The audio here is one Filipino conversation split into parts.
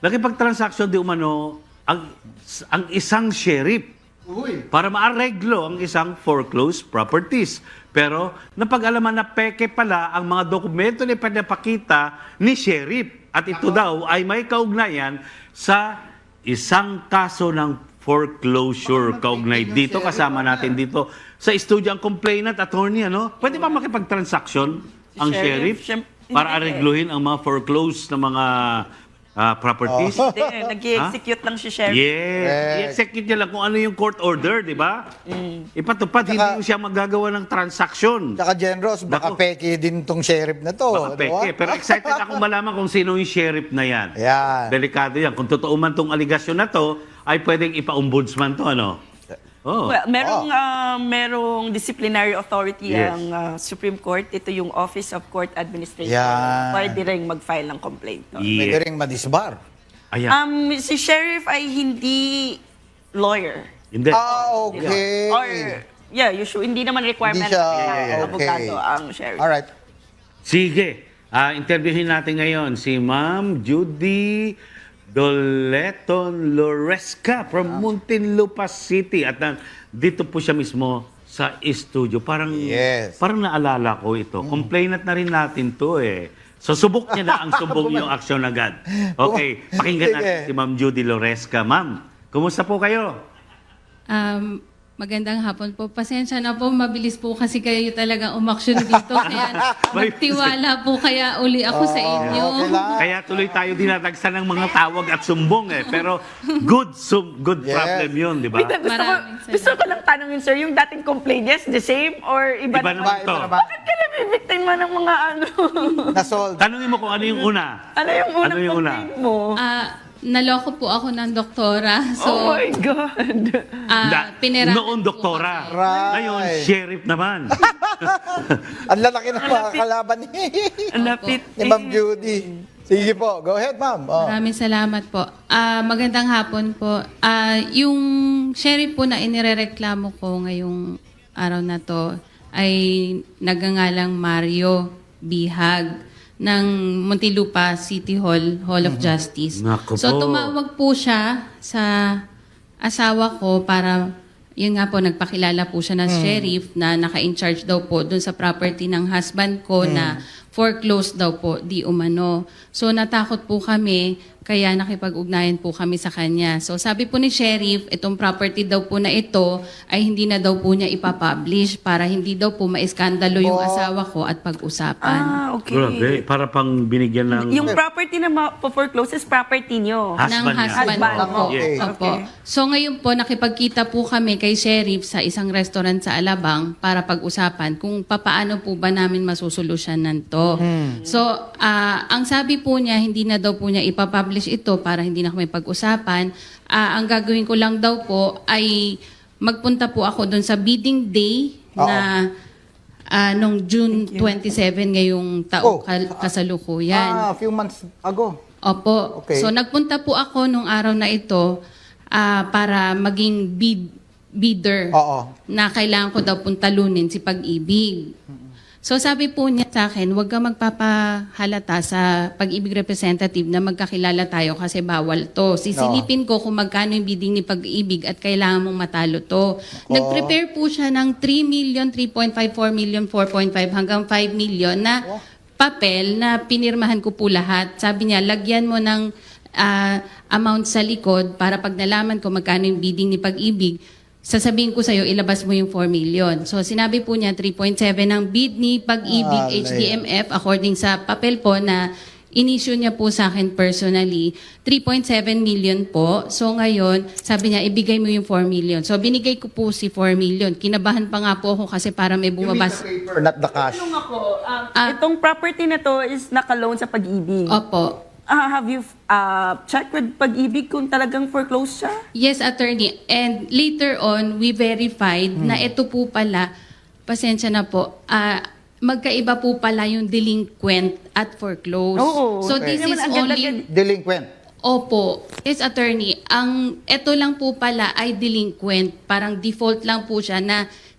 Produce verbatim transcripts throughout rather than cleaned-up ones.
nakipag-transaction di umano ang, ang isang sheriff Uy. para maareglo ang isang foreclosed properties. Pero napag-alaman na peke pala ang mga dokumento na pinapakita ni sheriff. At ito daw ay may kaugnayan sa isang kaso ng foreclosure kaugnay. Dito kasama natin dito sa studio ang complainant attorney, ano? Pwede ba makipag-transaction ang sheriff, Sheriff, para hindi. aregluhin ang mga foreclosed na mga ah, properties? Hindi, nag-i-execute lang si Sheriff. Yes. Yes. I-execute niya lang kung ano yung court order, di ba? Ipatupad, hindi Tsaka- mo siya magagawa ng transaksyon. Tsaka Generous, baka Naku. peke din tong sheriff na to. Baka di ba? peke. Pero excited akong malaman kung sino yung sheriff na yan. Yan. Delikado yan. Kung totoo man tong aligasyon na to, ay pwedeng ipa-ombudsman to, ano? Oh. Well, merong, ah, merong disciplinary authority Yes. ang ah, Supreme Court. Ito yung Office of Court Administration. Yan. Pwede rin mag-file ng complaint. No? Pwede Yeah. rin madisbar. Ayan. Um, si Sheriff ay hindi lawyer. Hindi. Ah, okay. Or, yeah, usually, hindi naman requirement Hindi siya, na okay. abogado ang Sheriff. Alright. Sige. Ah, interviewin natin ngayon si Ma'am Judy Doleton Loresca from Muntinlupa City. At uh, dito po siya mismo sa studio. Parang, Yes. parang naalala ko ito. Complainant na rin natin to eh. So subok niya na ang subong yung aksyon agad. Okay, pakinggan natin Sige. si Ma'am Judy Loresca. Ma'am, kumusta po kayo? Um, magandang hapon po. Pasensya na po, mabilis po kasi kayo talagang umaksyon dito. Kaya May- nagtiwala po kaya uli ako sa inyo. Okay lang. Kaya tuloy tayo dinadagsan ng mga tawag at sumbong eh. Pero good sum, good Yes. problem yun, di ba? Wait, gusto ko, Maraming salamat. gusto ko lang tanongin, sir, yung dating complaint, yes, the same or iba, Iba naman? naman Iba to. naman. Bakit ka nabibiktima ng mga ano? Nasolve. Tanungin mo kung ano yung una. ano yung unang Ano yung una? complaint mo? Ah, naloko po ako ng doktora. So, oh my God. ah, Da- pinirahan noon po doktora. kasi. Right. Ngayon, sheriff naman. Ang lalaki ng mga kalaban ni, Ang lapit. ni Ma'am Judy. Sige po, go ahead, ma'am. Oh. Maraming salamat po. Ah, magandang hapon po. Ah, yung sheriff po na inirereklamo ko ngayong araw na to ay nagangalang Mario Bihag ng Muntinlupa City Hall, Hall of Justice. Naku So po. tumawag po siya sa asawa ko para, yun nga po, nagpakilala po siya ng sheriff na naka-in-charge daw po dun sa property ng husband ko na foreclosed daw po, di umano. So natakot po kami, kaya nakipag-ugnayan po kami sa kanya. So sabi po ni sheriff, itong property daw po na ito ay hindi na daw po niya ipapublish para hindi daw po maiskandalo yung Oh. asawa ko at pag-usapan. Ah, okay. Grabe, para pang binigyan ng... Yung property na ma-foreclose is property nyo. Husband ng niya. husband Husband ko po. mo. Okay. Opo. Okay. So ngayon po, nakipagkita po kami kay sheriff sa isang restaurant sa Alabang para pag-usapan kung papaano po ba namin masusolusyonan to. So, ah, ang sabi po niya, hindi na daw po niya ipapublish ito para hindi na kami pag-usapan. Ah, ang gagawin ko lang daw po ay magpunta po ako doon sa bidding day na ah, nung June twenty-seven ngayong Oh. taong kal- kasalukuyan. Ah, a few months ago. Opo. Okay. So nagpunta po ako nung araw na ito ah, para maging bid, bidder Oo. na kailangan ko daw pong talunin si Pag-ibig. So sabi po niya sa akin, huwag ka magpapahalata sa Pag-ibig representative na magkakilala tayo kasi bawal to. Sisilipin ko kung magkano yung bidding ni Pag-ibig at kailangan mong matalo to. Nag-prepare po siya ng three million, three point five, four million, four point five hanggang five million na papel na pinirmahan ko po lahat. Sabi niya, lagyan mo ng ah, amount sa likod para pag nalaman ko magkano yung bidding ni Pag-ibig, sasabihin ko sa'yo, ilabas mo yung four million. So, sinabi po niya, three point seven ang bid ni Pag-ibig Ah, H D M F according sa papel po na in-issue niya po sa akin personally, three point seven million po. So, ngayon, sabi niya, ibigay mo yung four million. So, binigay ko po si four million. Kinabahan pa nga po ako kasi para may You mean bumabas. the paper, not the cash. Tanong ako, um, Ah. itong property na to is naka-loan sa Pag-ibig. Opo. Ah, have you uh, checked with Pag-ibig kung talagang foreclosed siya? Yes, attorney. And later on, we verified na ito po pala, pasensya na po, ah, magkaiba po pala yung delinquent at foreclosed. Oo. So Okay. this Hindi is naman only... agad-agad- Delinquent. Opo. Yes, attorney. Ang ito lang po pala ay delinquent. Parang default lang po siya na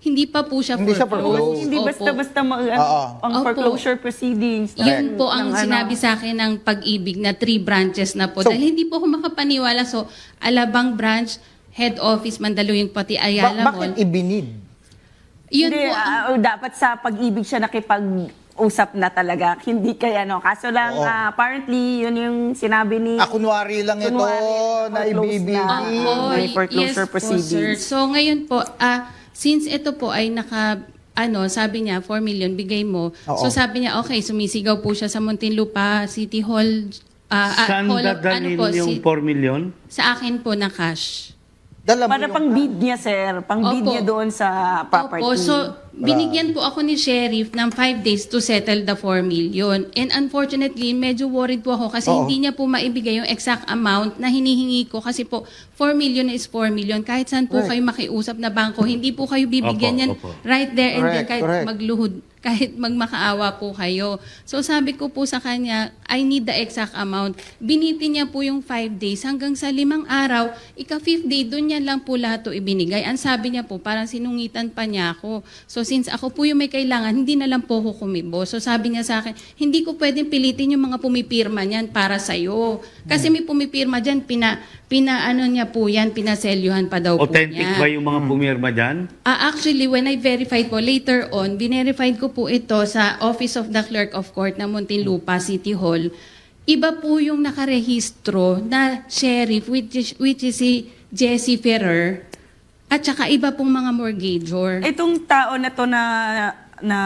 hindi pa po siya Hindi siya foreclosed. foreclosed. Hindi Opo. basta-basta mag, ano, Oo. ang Opo. foreclosure proceedings. Yun po ang ng ano. sinabi sa akin ng Pag-ibig na three branches na po. So- Dahil hindi po ako makapaniwala. So, Alabang branch, head office, Mandaluyong, pati Ba- Ayala bakit Mall. ibinid? Yun Hindi, po ang ah, dapat sa pag-ibig siya nakipag-usap na talaga. Hindi kaya, no? Kaso lang, Oo. ah, apparently, yun yung sinabi ni... Ah, kunwari lang ito Kunwari, na foreclosed ibibigay. na. Opo, May foreclosure yes po, sir. proceedings. So ngayon po, ah since ito po ay naka, ano, sabi niya, four million, bigay mo. Oo. So sabi niya, okay, sumisigaw po siya sa Muntinlupa City Hall. ah, ah, Saan Hall of- dadalhin po, yung si- four million? Sa akin po na cash. Dala mo Para yung- pang bid niya, sir. Pang bid Opo. niya doon sa property. Opo, so binigyan po ako ni Sheriff ng five days to settle the four million. And unfortunately, medyo worried po ako kasi Oo. hindi niya po maibigay yung exact amount na hinihingi ko kasi po four million is four million. Kahit saan po Right. kayo makiusap na bangko, hindi po kayo bibigyan Opo, yan opo. right there and then Correct, kahit correct. magluhod, kahit magmakaawa po kayo. So sabi ko po sa kanya, I need the exact amount. Biniti niya po yung five days hanggang sa limang araw, ika-fifth day, doon niya lang po lahat to ibinigay. Ang sabi niya po, parang sinungitan pa niya ako. So since ako po yung may kailangan, hindi na lang po ako kumibo. So sabi niya sa akin, hindi ko pwedeng pilitin yung mga pumipirma niyan para sa'yo. Kasi may pumipirma dyan, pina, pina ano niya po yan, pinaselyuhan pa daw po Authentic niya. ba yung mga pumirma dyan? Ah, actually, when I verified po, later on, binerified ko po ito sa Office of the Clerk of Court ng Muntinlupa City Hall. Iba po yung nakarehistro na sheriff, which is, which is si Jesse Ferrer, at saka iba pong mga mortgagor. Itong tao na to na, na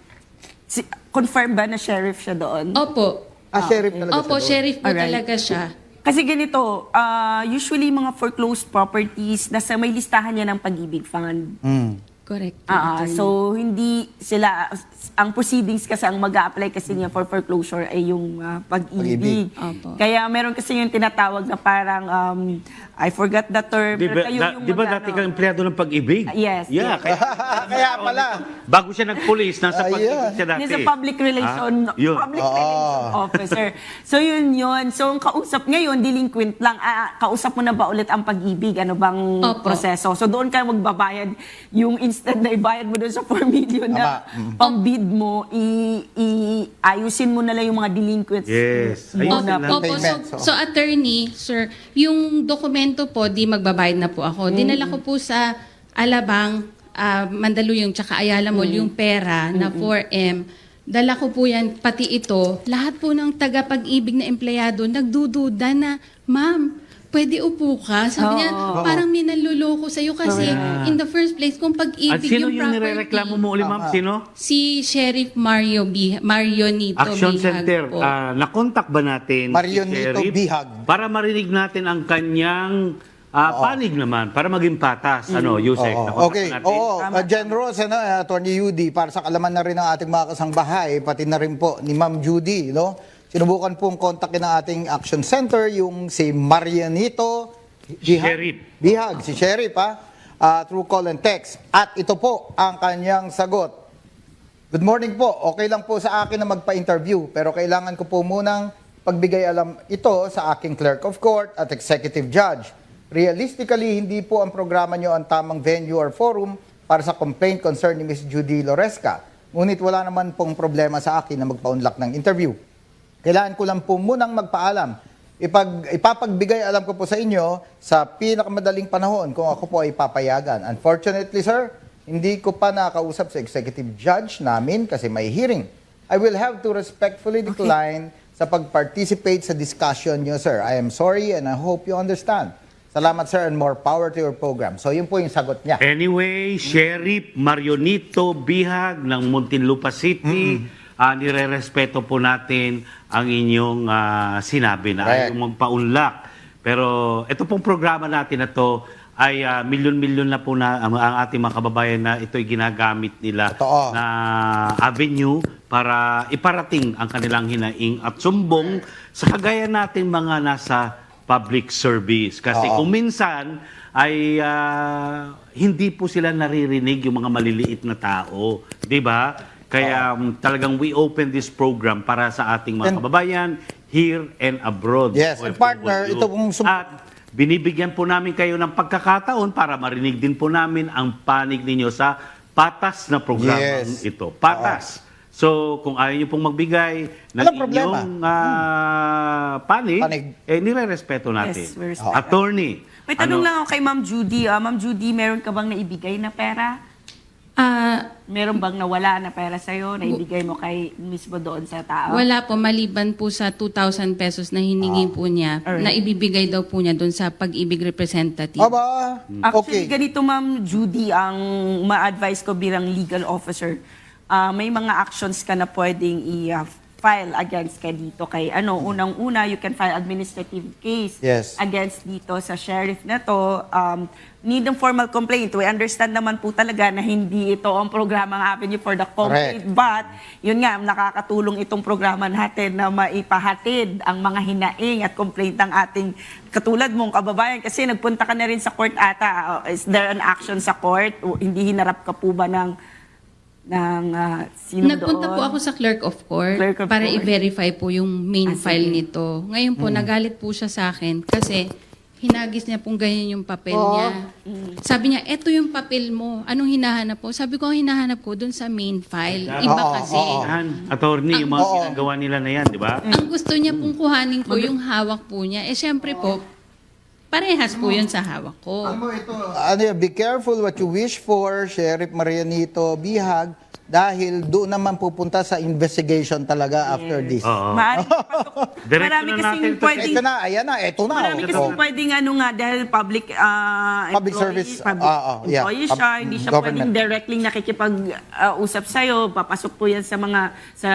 si, confirm ba na sheriff siya doon? Opo. Ah, sheriff talaga Opo, siya doon. sheriff po Alright. talaga siya. Kasi ganito, ah, usually mga foreclosed properties, nasa may listahan niya ng Pag-ibig Fund. Mm. Correct. Ah, ah, so hindi sila, ang proceedings kasi ang mag-a-apply kasi niya for foreclosure ay yung ah, Pag-ibig. pag-ibig. Opo. Kaya meron kasi yung tinatawag na parang, um, I forgot the term. Di ba, pero kayo da- yung di ba mag- dati ano, kang empleyado ng pag-ibig? Yes, Yeah, yes. kaya, Kaya pala. bago siya nag-police, nasa Ah, pag-ibig yeah. siya dati. He's a public relation, Ah, yun. public Oo. relation officer. So yun yun. So ang kausap ngayon, delinquent lang. Ah, kausap mo na ba ulit ang Pag-ibig? Ano bang Opo. proseso? So doon ka magbabayad. Yung instead na ibayad mo doon sa four million na Tama. Mm. pang-bid mo, i, i, ayusin mo na lang yung mga delinquents. Yes. mo Ayusin na. lang. Opo, so, Payment, so. so attorney, sir, yung dokumento po, di magbabayad na po ako. Dinala ko po sa Alabang, ah, Mandaluyong, tsaka Ayala Mall, yung pera na four M. Dala ko po yan, pati ito. Lahat po ng taga-Pag-ibig na empleyado, nagdududa na, ma'am, pwede upo ka. Sabi niya, Oo. parang may nanluloko sa'yo kasi Correct. in the first place, kung At Pag-ibig sino yung yung property. nirereklamo mo uli, ma'am? Tama. Sino? Si Sheriff Mario B. Mario Nito Action Bihag Center. po. Ah, nakontak ba natin Marion si Nito Sheriff Bihag. para marinig natin ang kanyang ah, panig naman, para maging patas. Ano, Yusek? Oo. Nakontak Okay. natin? Oo. Uh, Jen Rose, ano, uh, Attorney Judy, para sa kalaman na rin ng ating mga kasangbahay, pati na rin po ni Ma'am Judy, no? Sinubukan pong kontakin ng ating Action Center, yung si Marianito Bihag. Sheriff. Bihag, si Sheriff, ha? Ah, through call and text. At ito po ang kanyang sagot. Good morning po. Okay lang po sa akin na magpa-interview, pero kailangan ko po munang pagbigay alam ito sa aking clerk of court at executive judge. Realistically, hindi po ang programa nyo ang tamang venue or forum para sa complaint concern ni Miss Judy Loresca. Ngunit wala naman pong problema sa akin na magpa-unlock ng interview. Kailangan ko lang po munang magpaalam. Ipag, ipapagbigay alam ko po sa inyo sa pinakamadaling panahon kung ako po ay papayagan. Unfortunately, sir, hindi ko pa nakausap sa executive judge namin kasi may hearing. I will have to respectfully decline sa pag-participate sa discussion nyo, sir. I am sorry and I hope you understand. Salamat, sir, and more power to your program. So, yun po yung sagot niya. Anyway, Sheriff Marionito Bihag ng Muntinlupa City, ah, nire-respeto po natin ang inyong ah, sinabi na Correct. ayaw magpaunlak. Pero ito pong programa natin na to ay ah, milyon-milyon na po na ang, ang ating mga kababayan na ito'y ginagamit nila Totoo. na avenue para iparating ang kanilang hinaing at sumbong sa kagaya nating mga nasa public service. Kasi Oo. kung minsan ay ah, hindi po sila naririnig yung mga maliliit na tao. Di ba? Kaya um, talagang we open this program para sa ating mga And- kababayan here and abroad. Yes, and partner, ito pong sum- At binibigyan po namin kayo ng pagkakataon para marinig din po namin ang panig ninyo sa patas na programang Yes. ito. Patas. So, kung ayaw niyo pong magbigay ng Walang problema. inyong ah, panig, Panig. eh, nire-respeto natin. Yes, we're respecting. Attorney. May tanong ano- lang ako kay Ma'am Judy. Ah, Ma'am Judy, meron ka bang naibigay na pera? Ah, Meron bang nawala na pera sa'yo, naibigay mo kay mismo doon sa tao? wala po, maliban po sa two thousand pesos na hiningi po niya, Alright. na ibibigay daw po niya doon sa pag-ibig representative. Aba, Actually, okay. ganito Ma'am Judy, ang ma-advise ko bilang legal officer, ah, may mga actions ka na pwedeng i-file against ka dito kay ano, unang-una, you can file administrative case Yes. against dito sa sheriff na to. Um, need ng formal complaint. We understand naman po talaga na hindi ito ang programang avenue for the complaint. Correct. But, yun nga, nakakatulong itong programa natin na maipahatid ang mga hinaing at complaint ng ating katulad mong kababayan. Kasi nagpunta ka na rin sa court ata. Uh, Is there an action sa court? O hindi hinarap ka po ba ng, ng uh, sino Nagpunta doon? po ako sa clerk of court Clerk of para court. i-verify po yung main Ah, sige. file nito. Ngayon po, nagalit po siya sa akin kasi hinagis niya pong ganyan yung papel Oo. niya. Sabi niya, eto yung papel mo. Anong hinahanap po? Sabi ko, ang hinahanap ko dun sa main file. Iba Oo, kasi. oo. Yan, attorney, yung mga Oo. ginagawa nila na yan, di ba? Ang gusto niya pong kuhanin ko yung hawak po niya. Eh, syempre po, parehas po yun sa hawak ko. Ano yun, be careful what you wish for, Sheriff Marianito Bihag, dahil doon naman pupunta sa investigation talaga after this. Oo. Maaaring papasok. Diretso Marami na kasing natin to. pwedeng Ito na, ayan na, ito na. Marami oh. kasi pwedeng ano nga, dahil public uh, Public employee, service, public ah, ah, yeah. employee Pub- siya, hindi siya government. pwedeng directly nakikipag-usap sa'yo. Papasok po yan sa mga, sa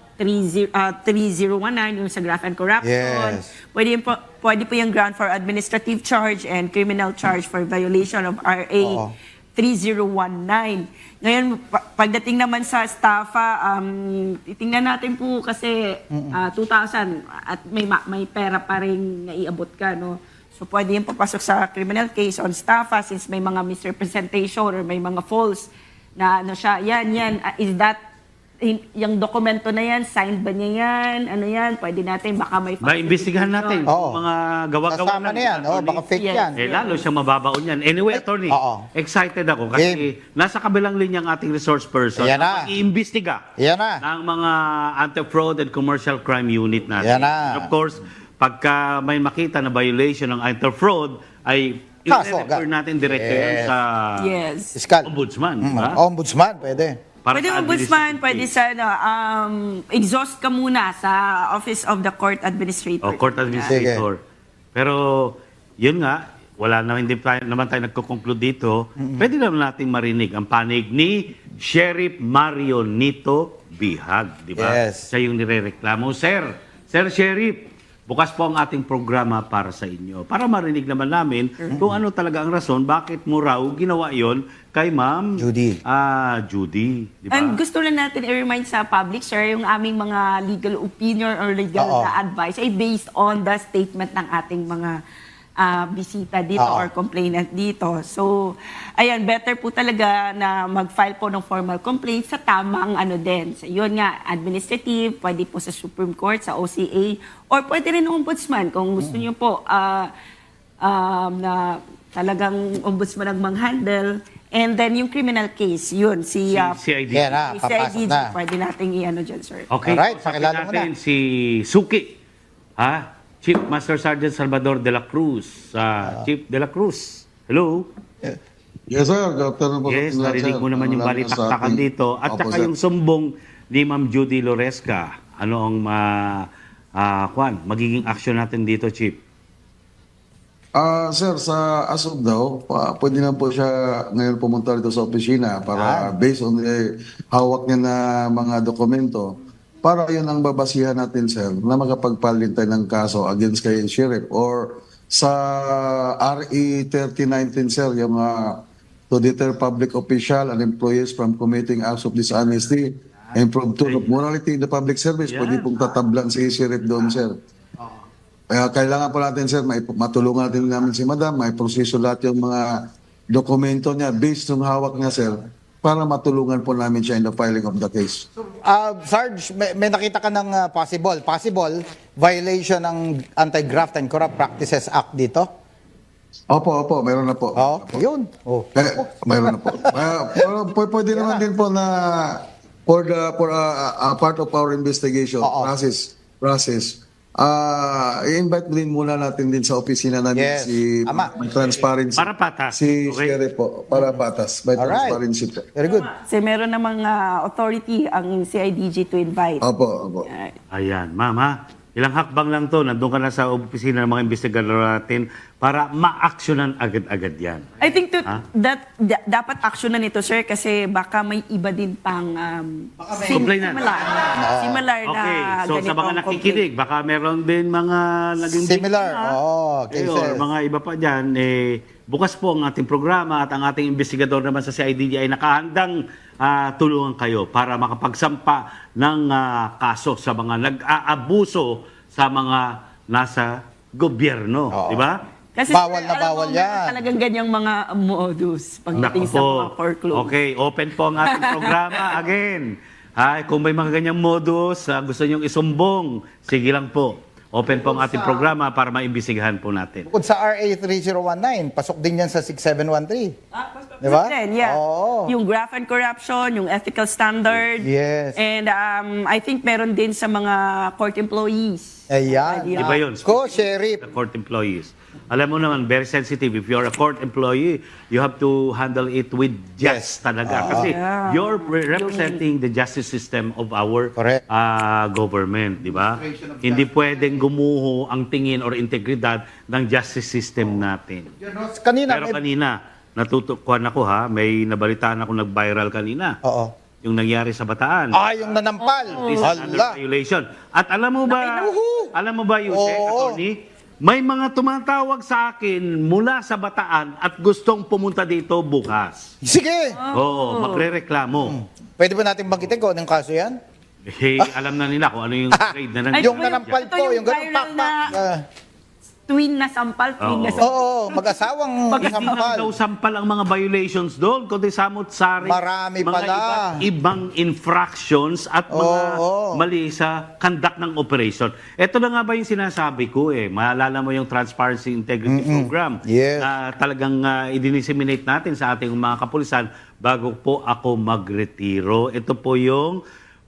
three oh one nine, yung sa graft and corruption. Yes. Pwede, yun po, pwede po yung ground for administrative charge and criminal charge for violation of R A Oo. three oh one nine. Ngayon, pa- pagdating naman sa staffa, um, titingnan natin po kasi ah, two thousand at may ma- may pera pa rin naiabot ka, no? So pwede yung papasok sa criminal case on staffa since may mga misrepresentation or may mga false na ano siya. Yan, yan. Ah, is that hin- yung dokumento na yan, signed ba niya yan? Ano yan? Pwede natin, baka may Maimbestigahan natin Oo. kung mga gawa-gawa Kasama lang, na yan, oh, attorney. baka fake Yes. yan. Eh, lalo siyang mababaon yan. Anyway, attorney, Oo. excited ako kasi nasa kabilang linya ang ating resource person Ayan na na. mag-iimbestiga Ayan na. ng mga anti-fraud and commercial crime unit natin. Ayan na. And of course, pagka may makita na violation ng anti-fraud, ay Kaso, i-refer agad. natin direkto yan Yes. sa Yes. Fiscal. ombudsman. Mm, di ba? Ombudsman, pwede. Para Pwede sa ombudsman, administrative pwede case. sa, ano, um, exhaust ka muna sa Office of the Court Administrator. O, court administrator. Pero, yun nga, wala na, hindi tayo, naman tayo nagko-conclude dito. Pwede naman nating marinig ang panig ni Sheriff Mario Nito Bihag. Di ba? Yes. Siya yung nirereklamo. Sir, Sir Sheriff, bukas po ang ating programa para sa inyo. Para marinig naman namin kung ano talaga ang rason, bakit mo raw ginawa yon kay Ma'am Judy. Ah, Judy. Di ba? And gusto lang natin i-remind sa public, sir, yung aming mga legal opinion or legal Oo. na advice ay based on the statement ng ating mga ah, bisita dito Oo. or complainant dito. So, ayan, better po talaga na mag-file po ng formal complaint sa tamang ano din. So, yun nga, administrative, pwede po sa Supreme Court, sa O C A, or pwede rin ng ombudsman kung gusto niyo po ah, um, na talagang ombudsman ang mang-handle. And then yung criminal case, yun, si, ah, C I D. Yan na, si papasok C I D G, na. pwede nating i-ano dyan, sir. Okay, Alright, kausapin pakilala mo natin na. si Suki, ha? Chief Master Sergeant Salvador de la Cruz. Ah, Chief de la Cruz, hello? Yes, sir. Good afternoon po. Yes, sa inyo, narinig sir. mo naman yung Lalo na sa balitaktakan ating- dito. At Opo, saka sir. yung sumbong ni Ma'am Judy Loresca. Ano ang ma, ah, Juan, magiging action natin dito, Chief? Ah, sir, sa as of daw, pa, pwede na po siya ngayon pumunta dito sa opisina para based on the hawak niya na mga dokumento, para yun ang babasihan natin, sir, na makapagpalin tayo ng kaso against kay Sheriff or sa R E thirty nineteen, sir, yung uh, to deter public official and employees from committing acts of dishonesty and from tone of morality in the public service. Yeah. Pwede pong tatablan si Sheriff doon, sir. Kaya kailangan po natin, sir, may matulungan natin namin si Madam, may proseso lahat yung mga dokumento niya based yung hawak niya, sir, para matulungan po namin siya in the filing of the case. Ah, Sarge, may, may nakita ka ng ah, possible, possible violation ng Anti-Graft and Corrupt Practices Act dito? Opo, opo, meron na po. Oh, yun. Oh. Eh, mayroon na po. Uh, pero p- pwede naman din po na for the for uh, uh, part of our investigation Oo. process process ah i-invite din muna natin din sa opisina namin Yes. si Tama. may transparency. Para patas. Si Okay. Sheriff po, para patas. May Alright. transparency po. Very good. Kasi meron namang ah, authority ang C I D G to invite. Opo, opo. Alright. Ayan, ma'am ha. Ilang hakbang lang to, nandun ka na sa opisina ng mga investigador natin para ma-actionan agad-agad yan. I think to, Ha? that da- dapat action na nito, sir, kasi baka may iba din pang um, sim- Complainant. similar, similar na Okay, so sa ganitong mga nakikinig, baka meron din mga naging Similar. biktima. Oo, Eh, or cases. mga iba pa dyan, eh, bukas po ang ating programa at ang ating investigador naman sa C I D G ay nakahandang ah, tulungan kayo para makapagsampa ng ah, kaso sa mga nag-aabuso sa mga nasa gobyerno. Oo. Di ba? Kasi Bawal sir, na alam bawal mo, meron yan. talagang ganyang mga modus pagdating Naku sa po. mga foreclosure. Okay, open po ang ating programa again. Ay, kung may mga ganyang modus, ah, gusto nyong isumbong, sige lang po. Open po ang ating programa para maimbisigahan po natin. Bukod sa R A three zero one nine, pasok din yan sa six seven one three. Di ba? Then, yeah. Oo. Yung graft and corruption, yung ethical standard. Yes. And um, I think meron din sa mga court employees. Ayan. Pwede Iba yun. Ko, Sheriff. The court employees. Alam mo naman, very sensitive. If you're a court employee, you have to handle it with Yes. just talaga. Oo. Kasi Yeah. you're re- representing the justice system of our Correct. ah, government, di ba? Hindi pwedeng gumuho ang tingin or integridad ng justice system natin. Kanina, Pero may- kanina, natutukuan ako ha, may nabalitaan ako nag-viral kanina. Oo. Yung nangyari sa Bataan. Ah, yung nanampal. This is under Hala. violation. At alam mo ba, Nakinuhu. alam mo ba, Yuse, Oo. attorney, may mga tumatawag sa akin mula sa Bataan at gustong pumunta dito bukas. Sige. Oo, magrereklamo. Pwede ba natin banggitin ko anong kaso yan? Eh, alam na nila kung ano yung grade na nangyari. Yung ito nanampal ito po, yung yung ganun viral pakpak. na- Ah, Twin na sampal, twin Oo. na sampal. Oo, mag-asawang Hindi lang sampal. daw sampal ang mga violations doon, kundi samot-sari. Marami mga pala. iba't ibang infractions at mga Oo. mali sa conduct ng operation. Ito na nga ba yung sinasabi ko eh. Maalala mo yung Transparency Integrity Program Yes. na talagang uh, i-disseminate natin sa ating mga kapulisan bago po ako magretiro. Ito po yung,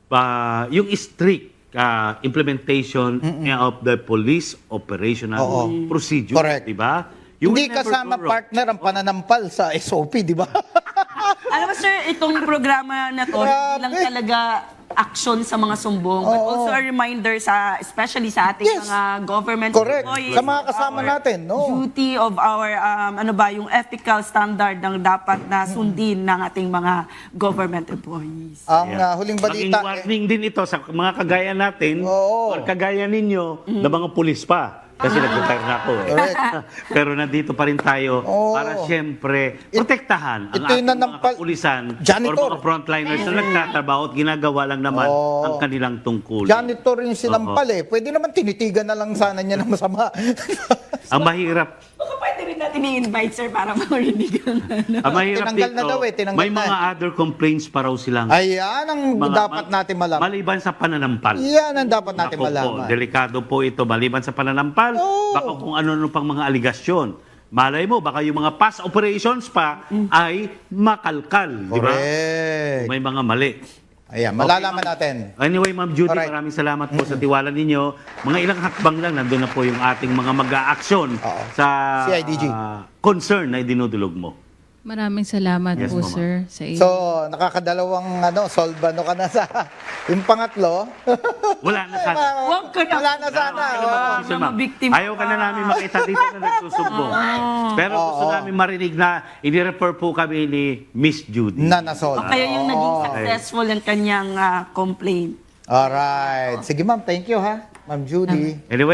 uh, yung strict uh, implementation of the police operational Oo. procedure. Correct. Di ba? You Hindi will never kasama go wrong. partner ang pananampal sa S O P, di ba? Alam mo sir, itong programa na to, hindi lang Grabe. talaga action sa mga sumbong, but Oo. also a reminder sa, especially sa ating Yes. mga government Correct. employees. Sa mga kasama our natin, no? Duty of our, um, ano ba, yung ethical standard ng dapat na sundin ng ating mga government employees. Ang Yeah. uh, huling Maging balita, eh, warning din ito sa mga kagaya natin Oo. or kagaya ninyo na mga pulis pa. Kasi nag-retire na ako eh. Correct. Pero nandito pa rin tayo Oo. para siyempre protektahan ang ito yung ating mga nanampal- kapulisan Janitor. or mga frontliners na nagtatrabaho at ginagawa lang naman Oo. ang kanilang tungkulin. janitor yung sinampal eh. Pwede naman tinitigan na lang sana niya ng masama. Ang mahirap, Baka pwede rin natin i-invite sir para marinig ang ano. ang mahirap Tinanggal dito, na daw eh, tinanggal may na. mga other complaints pa raw silang Ayan ang mga- dapat natin malaman. maliban sa pananampal. Yan ang dapat natin Ako po, malaman. delikado po ito. Maliban sa pananampal, Oo. baka kung ano-ano pang mga aligasyon. Malay mo, baka yung mga past operations pa ay makalkal. Di ba? Correct. May mga mali. Ayan, malalaman natin. Anyway, Ma'am Judy, Alright. maraming salamat po sa tiwala ninyo. Mga ilang hakbang lang, nandun na po yung ating mga mag-aaksyon Oo. sa C I D G. ah, concern na dinudulog mo. Maraming salamat Yes, po, ma'am. sir, sa inyo. So, nakakadalawang ano, solve ano ka na sa yung pangatlo. Wala na sana. Huwag ka na. Wala na sana. Ayaw ka na Oh. mag-condition, ma'am. Mga biktima Ayaw ka na namin makita dito na nagsusumbong. Pero gusto Oo. namin marinig na ini-refer po kami ni Miss Judy. Na na-solve. Kaya yung naging Oo. successful ang kanyang ah, complaint. Alright. Sige ma'am, thank you ha. Ma'am Judy. Anyway,